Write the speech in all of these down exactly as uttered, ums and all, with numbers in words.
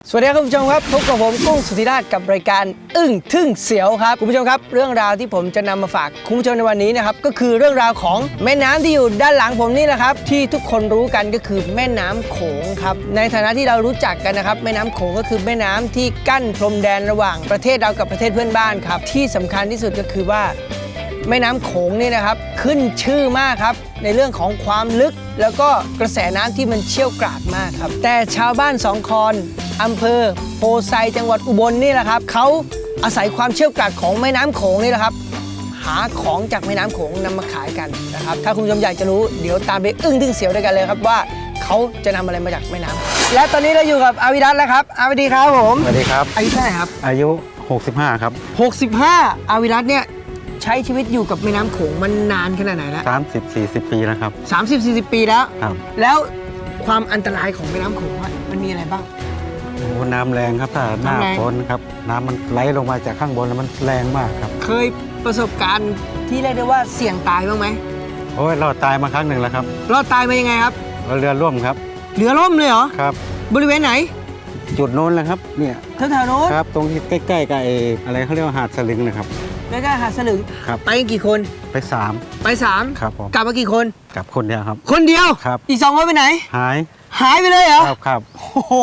สวัสดีครับคุณผู้ชมครับพบกับผมกุ้งสุธิราชกับรายการอึ้งทึ่งเสียวครับคุณผู้ชมครับเรื่องราวที่ผมจะนำมาฝากคุณผู้ชมในวันนี้นะครับก็คือเรื่องราวของแม่น้ำที่อยู่ด้านหลังผมนี่แหละครับที่ทุกคนรู้กันก็คือแม่น้ำโขงครับในฐานะที่เรารู้จักกันนะครับแม่น้ำโขงก็คือแม่น้ำที่กั้นพรมแดนระหว่างประเทศเรากับประเทศเพื่อนบ้านครับที่สำคัญที่สุดก็คือว่าแม่น้ำโขงนี่นะครับขึ้นชื่อมากครับในเรื่องของความลึกแล้วก็กระแสน้ำที่มันเชี่ยวกรากมากครับแต่ชาวบ้านสองคอนอำเภอโพไซจังหวัดอุบลนี่แหละครับเขาอาศัยความเชี่ยวกรากของแม่น้ำโขงนี่แหละครับหาของจากแม่น้ำโขงนำมาขายกันนะครับถ้าคุณผู้ชมอยากจะรู้เดี๋ยวตามไปอึ้งทึ่งเสียวด้วยกันเลยครับว่าเขาจะนำอะไรมาจากแม่น้ำและตอนนี้เราอยู่กับอาวิรัตแล้วครับอาวิดีครับผมสวัสดีครับอายุเท่าไหร่ครับอายุหกสิบห้าครับหกสิบห้าอาวิรัตเนี่ยใช้ชีวิตอยู่กับแม่น้ำโขงมันนานขนาดไหนแล้วสามสิบ สี่สิบ ปีแล้วครับสามสิบ สี่สิบ ปีแล้วครับแล้วความอันตรายของแม่น้ำโขงอะมันมีอะไรบ้างโอ้น้ำแรงครับถ้าหน้าน้ำแรงฝนครับน้ำมันไหลลงมาจากข้างบนแล้วมันแรงมากครับเคยประสบการณ์ที่เรียกได้ว่าเสี่ยงตายบ้างไหมโอ้ยเราตายมาครั้งหนึ่งแล้วครับรอดตายมายังไงครับเราเรือร่วมครับเรือล่มเลยเหรอครับบริเวณไหนจุดโน้นแหละครับเนี่ยแถวๆโน้นครับตรงที่ใกล้ๆกับไอ้อะไรเขาเรียกว่าหาดสลิงนะครับใกล้ๆหาดสลึงครับไปกันกี่คนไปสามไปสามครับผมกลับมากี่คนกับคนเดียวครับคนเดียวครับอีกสองคนไปไหนหายหายไปเลยเหรอครับครับโอ้โห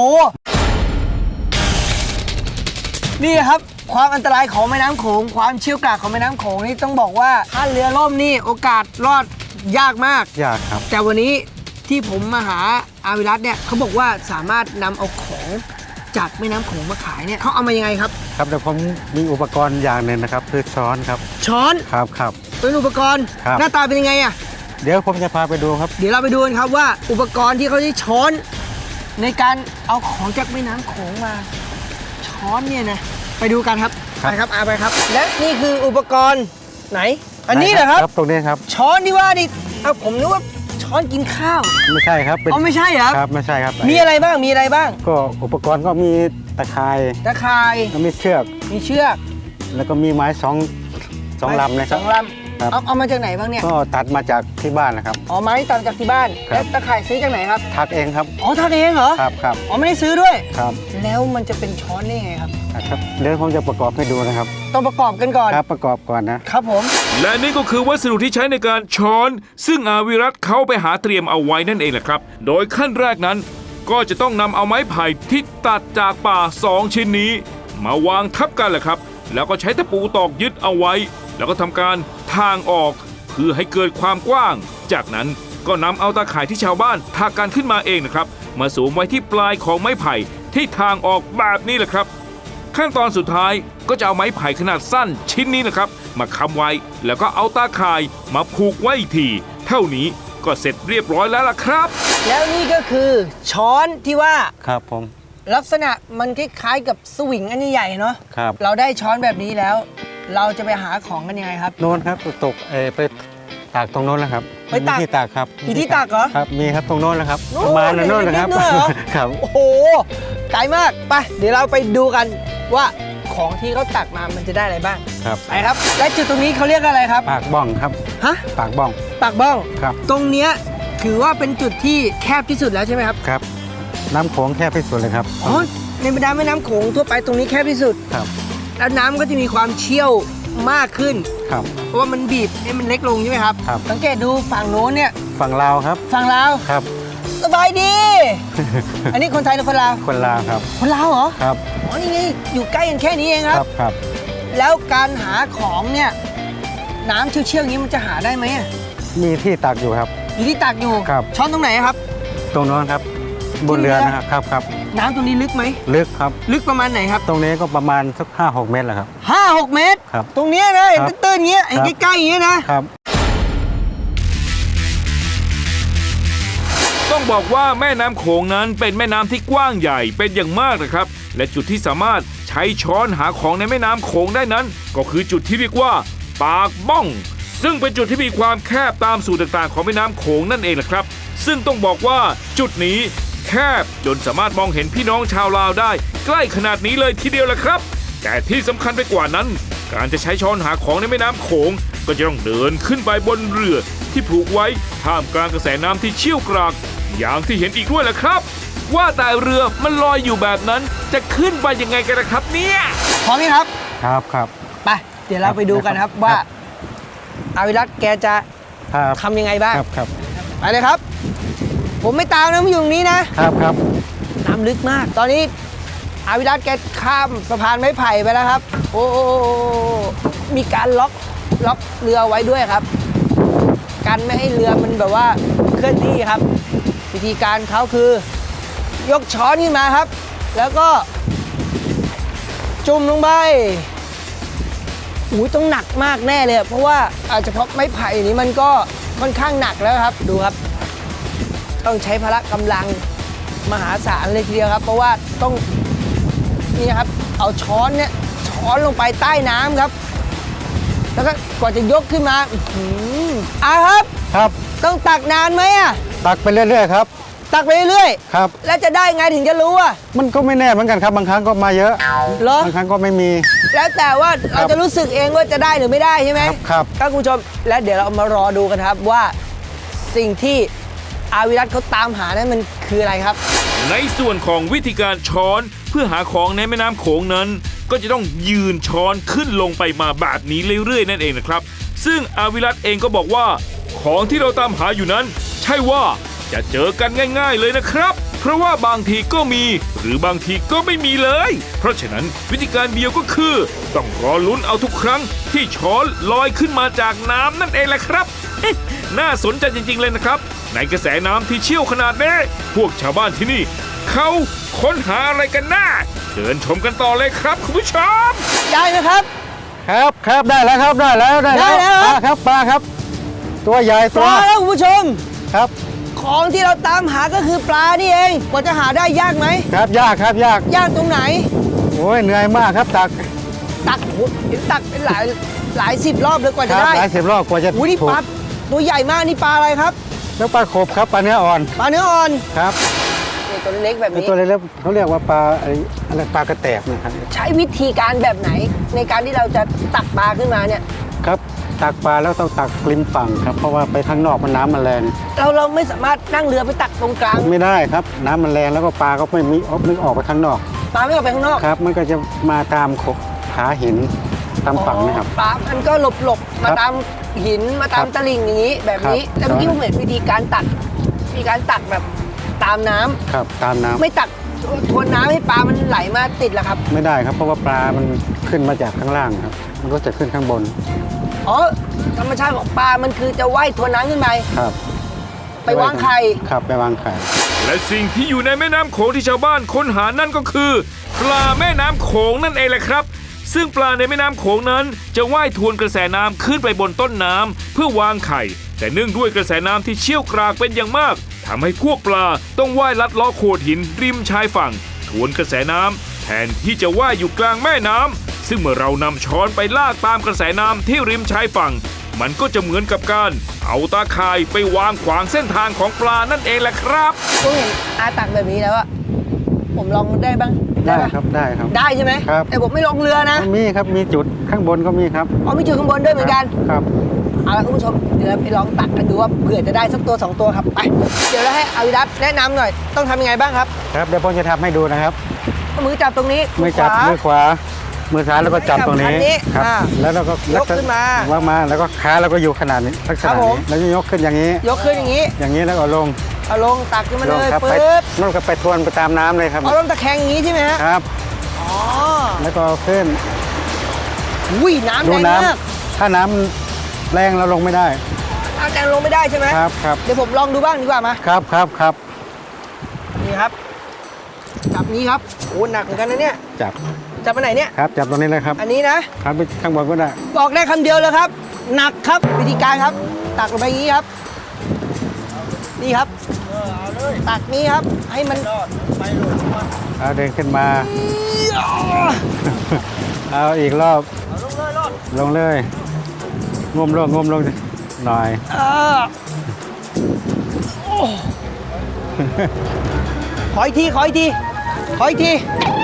นี่ครับความอันตรายของแม่น้ำโขงความเชี่ยวกรากของแม่น้ำโขงนี่ต้องบอกว่าถ้าเรือล่มนี่โอกาสรอดยากมากยากครับแต่วันนี้ที่ผมมาหาอาวิรัตเนี่ยเขาบอกว่าสามารถนำเอาของจากแม่น้ำโขงมาขายเนี่ยเขาเอามายังไงครับครับเดี๋ยวผมมีอุปกรณ์อย่างหนึ่งนะครับคือช้อนครับช้อนครับครับเป็นอุปกรณ์ครับหน้าตาเป็นยังไงอ่ะเดี๋ยวผมจะพาไปดูครับเดี๋ยวเราไปดูกันครับว่าอุปกรณ์ที่เขาใช้ช้อน ในการเอาของจากแม่น้ำโขงมา ช้อนเนี่ยนะไปดูกันครับครับไปครับอาไปครับ และนี่คืออุปกรณ์ไหน อันนี้เหรอครับครับตรงนี้ครับช้อนที่ว่านี่เอาผมนึกว่าช้อนกินข้าวไม่ใช่ครับเป็นอ๋อไม่ใช่เหรอครับไม่ใช่ครับมีอะไรบ้างมีอะไรบ้างก็อุปกรณ์ก็มีตะข่ายตะข่ายก็มีเชือกมีเชือกแล้วก็มีไม้สองสองลำนะคสรับองลครับำเอาเอามาจากไหนบ้างเนี่ยก็ตัดมาจากที่บ้านนะครับอ๋อไม้ตามจากที่บ้านครับแล้วตะข่ายซื้อจากไหนครับทักเองครับอ๋อทำเองเหรอครับครับอ๋อไม่ได้ซื้อด้วยครับแล้วมันจะเป็นช้อนได้ไงครับครับเดี๋ยวผมจะประกอบให้ดูนะครับต้องประกอบกันก่อนครับประกอบก่อนนะครับผมและนี่ก็คือวัสดุที่ใช้ในการช้อน ซึ่งอาวิรัตเขาไปหาเตรียมเอาไว้นั่นเองแหละครับ โดยขั้นแรกนั้น ก็จะต้องนำเอาไม้ไผ่ที่ตัดจากป่าสองชิ้นนี้ มาวางทับกันแหละครับ แล้วก็ใช้ตะปูตอกยึดเอาไว้ แล้วก็ทำการทางออกเพื่อให้เกิดความกว้าง จากนั้นก็นำเอาตาข่ายที่ชาวบ้านทากันขึ้นมาเองนะครับ มาสวมไว้ที่ปลายของไม้ไผ่ที่ทางออกแบบนี้แหละครับ ขั้นตอนสุดท้ายก็จะเอาไม้ไผ่ขนาดสั้นชิ้นนี้นะครับ มาค้ำไว้แล้วก็เอาตาข่ายมาผูกไว้อีกทีเท่านี้ก็เสร็จเรียบร้อยแล้วล่ะครับแล้วนี่ก็คือช้อนที่ว่าครับผมลักษณะมันคล้ายๆกับสวิงอันใหญ่ๆเนาะครับเราได้ช้อนแบบนี้แล้ว เราจะไปหาของกันยังไงครับโน้นครับตกเออไปตากตรงโน้นแล้วครับไปตากมีที่ตากครับมีที่ตากเหรอครับมีครับตรงโน้นแล้วครับโน่นประมาณนั้นโน้นนะครับเห็นนิดๆเหรอครับโอ้โหไกลมากไปเดี๋ยวเราไปดูกันว่าของที่เขาตักมามันจะได้อะไรบ้างครับไปครับและจุดตรงนี้เขาเรียกอะไรครับปากบ้องครับฮะปากบ้องปากบ้องครับตรงเนี้ยถือว่าเป็นจุดที่แคบที่สุดแล้วใช่ไหมครับครับ น้ำโขงแคบที่สุดเลยครับอ๋อในบรรดาแม่น้ำโขงทั่วไปตรงนี้แคบที่สุดครับแล้วน้ำก็จะมีความเชี่ยวมากขึ้นครับเพราะว่ามันบีบให้มันเล็กลงใช่ไหมครับครับสังเกตดูฝั่งโน้นเนี่ยฝั่งลาวครับฝั่งลาวครับสบายดี อันนี้คนไทยหรือคนลาวคนลาวครับคนลาวเหรอครับอ๋อนี่ไงอยู่ใกล้กันแค่นี้เองคครับ รับครับแล้วการหาของเนี่ยน้ำเชี่ยวๆอย่างนี้มันจะหาได้ไหมอะมีที่ตักอยู่ครับอยู่ที่ตักอยู่ครับช้อนตรงไหนครับตรงโน้นครับ บนเรือนะครับครับครับน้ำตรงนี้ลึกไหมลึกครับลึกประมาณไหนครับตรงนี้ก็ประมาณสักห้าหกเมตรแหละครับห้าหกเมตรครับตรงเนี้ยนะเห็นครับตื้นๆอย่างเงี้ยเห็นครับใกล้ๆอย่างเงี้ยนะครับต้องบอกว่าแม่น้ำโขงนั้นเป็นแม่น้ำที่กว้างใหญ่เป็นอย่างมากนะครับ และจุดที่สามารถใช้ช้อนหาของในแม่น้ำโขงได้นั้น ก็คือจุดที่เรียกว่า ปากบ้อง ซึ่งเป็นจุดที่มีความแคบตามสูตรต่างๆของแม่น้ำโขงนั่นเองแหละครับ ซึ่งต้องบอกว่าจุดนี้แคบจนสามารถมองเห็นพี่น้องชาวลาวได้ ใกล้ขนาดนี้เลยทีเดียวแหละครับ แต่ที่สำคัญไปกว่านั้น การจะใช้ช้อนหาของในแม่น้ำโขงก็จะต้องเดินขึ้นไปบนเรือที่ผูกไว้ท่ามกลางกระแสน้ำที่เชี่ยวกรากอย่างที่เห็นอีกด้วยแหละครับว่าแต่เรือมันลอยอยู่แบบนั้นจะขึ้นไปยังไงกันนะครับเนี่ยพร้อมไหมครับครับครับไปเดี๋ยวเราไปดูกันครับว่าอาวิรัตแกจะครับทำยังไงบ้างครับครับไปเลยครับ ผมไม่ตามนะผมอยู่ตรงนี้นะครับครับน้ำลึกมาก ตอนนี้อาวิรัตแกข้ามสะพานไม้ไผ่ไปแล้วครับ โอ้มีการล็อกล็อกเรือไว้ด้วยครับ กันไม่ให้เรือมันแบบว่าเคลื่อนที่ครับ วิธีการเขาคือ ยกช้อนขึ้นมาครับ แล้วก็ จุ่มลงไปอุ้ยต้องหนักมากแน่เลยเพราะว่าอาจจะเพราะไม้ไผ่นี้มันก็ค่อนข้างหนักแล้วครับดูครับ ต้องใช้พละกำลังมหาศาลเลยทีเดียวครับ เพราะว่าต้องนี่ครับเอาช้อนเนี่ยช้อนลงไปใต้น้ำครับ แล้วก็กว่าจะยกขึ้นมาอื้อหืออ่ะครับครับต้องตักนานไหมอ่ะตักไปเรื่อยๆครับตักไปเรื่อยครับๆแล้วจะได้ไงถึงจะรู้อ่ะมันก็ไม่แน่เหมือนกันครับบางครั้งก็มาเยอะเหรอบางครั้งก็ไม่มีแล้วแต่ว่าเราจะรู้สึกเองว่าจะได้หรือไม่ได้ใช่ไหมครับครับครับคุณผู้ชมและเดี๋ยวเรามารอดูกันครับว่าสิ่งที่อาวิรัตเขาตามหานั้นมันคืออะไรครับในส่วนของวิธีการช้อนเพื่อหาของในแม่น้ำโขงนั้น ก็จะต้องยืนช้อนขึ้นลงไปมาแบบนี้เรื่อยๆนั่นเองนะครับ ซึ่งอาวิรัตเองก็บอกว่า ของที่เราตามหาอยู่นั้น ใช่ว่าจะเจอกันง่าย ๆเลยนะครับ เพราะว่าบางทีก็มี หรือบางทีก็ไม่มีเลย เพราะฉะนั้นวิธีการเดียวก็คือ ต้องรอลุ้นเอาทุกครั้งที่ช้อนลอยขึ้นมาจากน้ำนั่นเองแหละครับ น่าสนใจจริงๆเลยนะครับ ในกระแสน้ำที่เชี่ยวขนาดนี้พวกชาวบ้านที่นี่ เขาค้นหาอะไรกันน่าเชิญชมกันต่อเลยครับคุณผู้ชมได้ไหมครับครับครับได้แล้วครับได้แล้วได้ได้แล้วปลาครับปลาครับ ตัวใหญ่ปตัวลาแล้วคุณผู้ชมครับของที่เราตามหาก็คือปลานี่เองกว่าจะหาได้ยากไหมครับยากครับยากยากตรงไหนโอ้ยเหนื่อยมากครับตักตักโอ้โหเห็นตักเป็นหลายหลายสิบรอบเลยกว่าคจะรับได้หลายสิบรอบกว่าจะอุ้ยนี่ถูปกลาตัวใหญ่มากนี่ปลาอะไรครับแล้วปลาขบครับปลาเนื้ออ่อนปลาเนื้ออ่อนครับนี่ตัวเล็กแบบไอ้นี้ตัวเล็กๆเขาเรียกว่าปลาอะไรอะไรปลากระแตกนะครับใช้วิธีการแบบไหน ในการที่เราจะตักปลาขึ้นมาเนี่ยครับตักปลาแล้วต้องตักริมฝั่งครับเพราะว่าไปข้างนอกมันน้ำมันแรงเราเราไม่สามารถนั่งเรือไปตักตรงกลางไม่ได้ครับน้ำมันแรงแล้วก็ปลาก็ไม่มีนึกออกไปข้างนอกปลาไม่ออกไปข้างนอกครับ มันก็จะมาตามขบขาหินตามฝั่งนะครับอ๋อปลามันก็หลบหลบๆมาครับตามหินมาตามครับตลิ่งอย่างนี้แบบนี้ครับแล้วเมื่อกี้ผมเห็นวิธีการตักมีการตักแบบตามน้ำครับตามน้ำไม่ตักทวนน้ำให้ปลามันไหลมาติดเหรอครับไม่ได้ครับเพราะว่าปลามันขึ้นมาจากข้างล่างครับ มันก็จะขึ้นข้างบนอ๋อธรรมชาติของปลามันคือจะว่ายทวนน้ำขึ้นไปครับไปวางไข่ครับไปวางไข่และสิ่งที่อยู่ในแม่น้ำโขงที่ชาวบ้านค้นหานั่นก็คือ ปลาแม่น้ำโขงนั่นเองแหละครับ ซึ่งปลาในแม่น้ำโขงนั้นจะว่ายทวนกระแสน้ำขึ้นไปบนต้นน้ำเพื่อวางไข่ แต่เนื่องด้วยกระแสน้ำที่เชี่ยวกรากเป็นอย่างมากทำให้พวกปลาต้องว่ายลัดเลาะโขดหินริมชายฝั่งทวนกระแสน้ำแทนที่จะว่ายอยู่กลางแม่น้ำซึ่งเมื่อเรานำช้อนไปลากตามกระแสน้ำที่ริมชายฝั่ง มันก็จะเหมือนกับการเอาตาข่ายไปวางขวางเส้นทางของปลานั่นเองแหละครับผมเห็นอาตักแบบนี้แล้วอะผมลองได้บ้างได้ปะครับได้ครับได้ใช่ไหมครับแต่ผมไม่ลงเรือนะมีครับมีจุดข้างบนก็มีครับอ๋อมีจุดข้างบนด้วยเหมือนกันครับเอาละคุณผู้ชมเดี๋ยวเราไปลองตักกันดูว่าเผื่อจะได้สักตัวสองตัวครับไปเดี๋ยวเราให้อาวิรัตแนะนำหน่อยต้องทำยังไงบ้างครับครับเดี๋ยวผมจะทำให้ดูนะครับเอามือจับตรงนี้มือจับขวามือขวา มือซ้ายแล้วก็จับตรงนี้จับคันนี้ครับอ่าแล้วเราก็ยกขึ้นมาวางมาแล้วก็ขาเราก็อยู่ขนาดนี้ลักษครัณะบผมนี้แล้วก็ยกขึ้นอย่างนี้ยกขึ้นอย่างนี้อย่างนี้แล้วก็ลงเอาลงตักขึ้นมาลเลงยครับไปปึ๊บนั่นก็ไปทวนไปตามน้ำเลยครับเอาลงตะแคงอย่างนี้ใช่ไหมฮะครับอ๋อแล้วก็ขึ้นอุ้ยน้ำดูแรงน้มากำถ้าน้ำแรงเราลงไม่ได้น้ำแรงลงไม่ได้ใช่ไหมครับครับเดี๋ยวผมลองดูบ้างดีกว่ามาครับครับครับนี่ครับจับนี้ครับโอ้หนักเหมือนกันนะเนี่ยจับจับไปไหนเนี่ยครับจับตรงนี้เลยครับอันนี้นะครับไปข้างบนก็ได้บอกได้คำเดียวเลยครับ หนักครับวิธีการครับ ตักลงไปอย่างนี้ครับ นี่ครับตักนี้ครับ ให้มันเอาเดินขึ้นมา เอาอีกรอบลงเลยงมลงงมลงหน่อยเออโอ้ขออีกทีขออีกทีขออีกที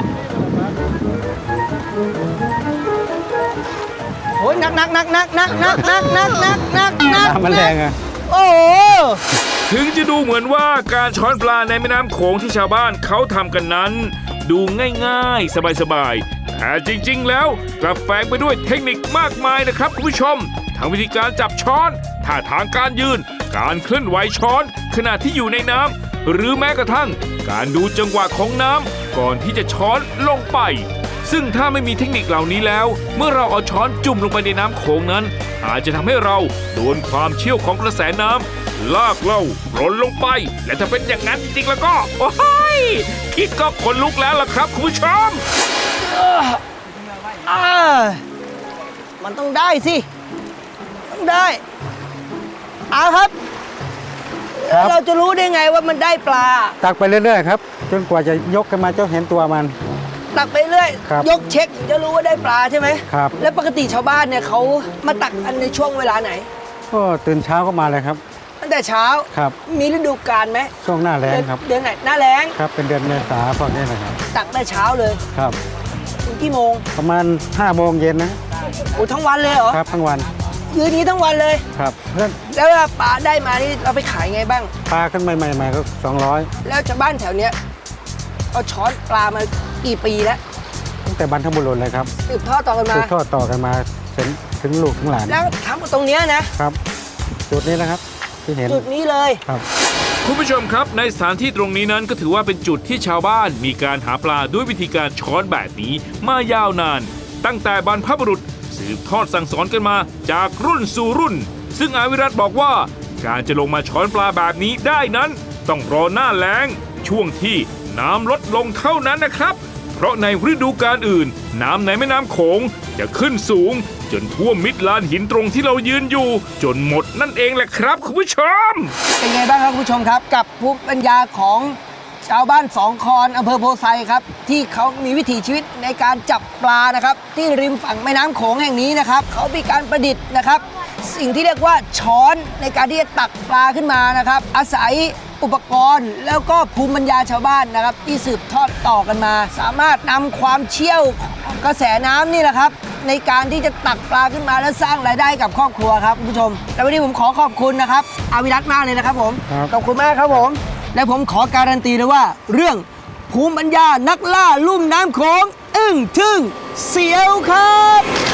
โอ้ยหนักหนักหนักหนักหนักหนักหนักหนักหนักหนักหนักน้ำมันแรงอะโอ้โหถึงจะดูเหมือนว่าการช้อนปลาในแม่น้ำโขงที่ชาวบ้านเขาทำกันนั้น ดูง่ายๆ สบายๆแต่จริงๆแล้วกลับแฝงไปด้วยเทคนิคมากมายนะครับคุณผู้ชมทั้งวิธีการจับช้อนท่าทางการยืนการเคลื่อนไหวช้อนขณะที่อยู่ในน้ำหรือแม้กระทั่งการดูจังหวะของน้ำก่อนที่จะช้อนลงไปซึ่งถ้าไม่มีเทคนิคเหล่านี้แล้วเมื่อเราเอาช้อนจุ่มลงไปในน้ำโขงนั้นอาจจะทำให้เราโดนความเชี่ยวของกระแสน้ำลากเราหล่นลงไปและถ้าเป็นอย่างนั้นจริงๆแล้วก็โอ้ยคิดก็ขนลุกแล้วล่ะครับคุณผู้ชมอ่ามันต้องได้สิต้องได้เอาครับครับเราจะรู้ได้ไงว่ามันได้ปลาตักไปเรื่อยๆครับจนกว่าจะยกขึ้นมาจะเห็นตัวมันตักไปเรื่อยครับยกเช็คถึงจะรู้ว่าได้ปลาใช่ไหมครับแล้วปกติชาวบ้านเนี่ยเขามาตักอันในช่วงเวลาไหนก็ตื่นเช้าก็มาเลยครับตั้งแต่เช้าครับมีฤดูกาลไหมช่วงหน้าแล้งครับเดือนไหนหน้าแล้งครับเป็นเดือนเมษาพวกนี้นะครับตักได้เช้าเลยครับถึงกี่โมงประมาณห้าโมงเย็นนะโอ้ทั้งวันเลยเหรอครับทั้งวันยืนนี้ทั้งวันเลยครับเพื่อนแล้วเวลาปลาได้มานี่เราไปขายไงบ้างปลาขึ้นใหม่ๆก็สองร้อยแล้วชาวบ้านแถวเนี้ยเอาช้อนปลามากี่ปีแล้วตั้งแต่บรรพบุรุษเลยครับสืบทอดต่อกันมาสืบทอดต่อกันมาถึงถึงลูกถึงหลานแล้วทำตรงเนี้ยนะครับจุดนี้นะครับที่เห็นจุดนี้เลยครับคุณผู้ชมครับในสถานที่ตรงนี้นั้นก็ถือว่าเป็นจุดที่ชาวบ้านมีการหาปลาด้วยวิธีการช้อนแบบนี้มายาวนาน ตั้งแต่บรรพบุรุษสืบทอดสั่งสอนกันมาจากรุ่นสู่รุ่น ซึ่งอาวิรัตบอกว่าการจะลงมาช้อนปลาแบบนี้ได้นั้น ต้องรอหน้าแล้งช่วงที่น้ำลดลงเท่านั้นนะครับ เพราะในฤดูกาลอื่น น้ำในแม่น้ำโขงจะขึ้นสูง จนท่วมมิดลานหินตรงที่เรายืนอยู่ จนหมดนั่นเองแหละครับคุณผู้ชมเป็นไงบ้างครับคุณผู้ชมครับ กับภูมิปัญญาของชาวบ้านสองคอนอำเภอโพไซครับที่เขามีวิถีชีวิตในการจับปลานะครับที่ริมฝั่งแม่น้ำโขงแห่งนี้นะครับเขามีการประดิษฐ์นะครับ สิ่งที่เรียกว่าช้อนในการที่จะตักปลาขึ้นมานะครับ อาศัยอุปกรณ์แล้วก็ภูมิปัญญาชาวบ้านนะครับที่สืบทอดต่อกันมา สามารถนำความเชี่ยวของกระแสน้ำนี่แหละครับในการที่จะตักปลาขึ้นมาและสร้างรายได้ให้กับครอบครัวครับคุณผู้ชมและวันนี้ผมขอขอบคุณนะครับอาวิรัตมากเลยนะครับผมครับขอบคุณมากครับผม และผมขอการันตีเลยว่า เรื่องภูมิปัญญานักล่าลุ่มน้ำโขงอึ้งทึ่งเสียวครับ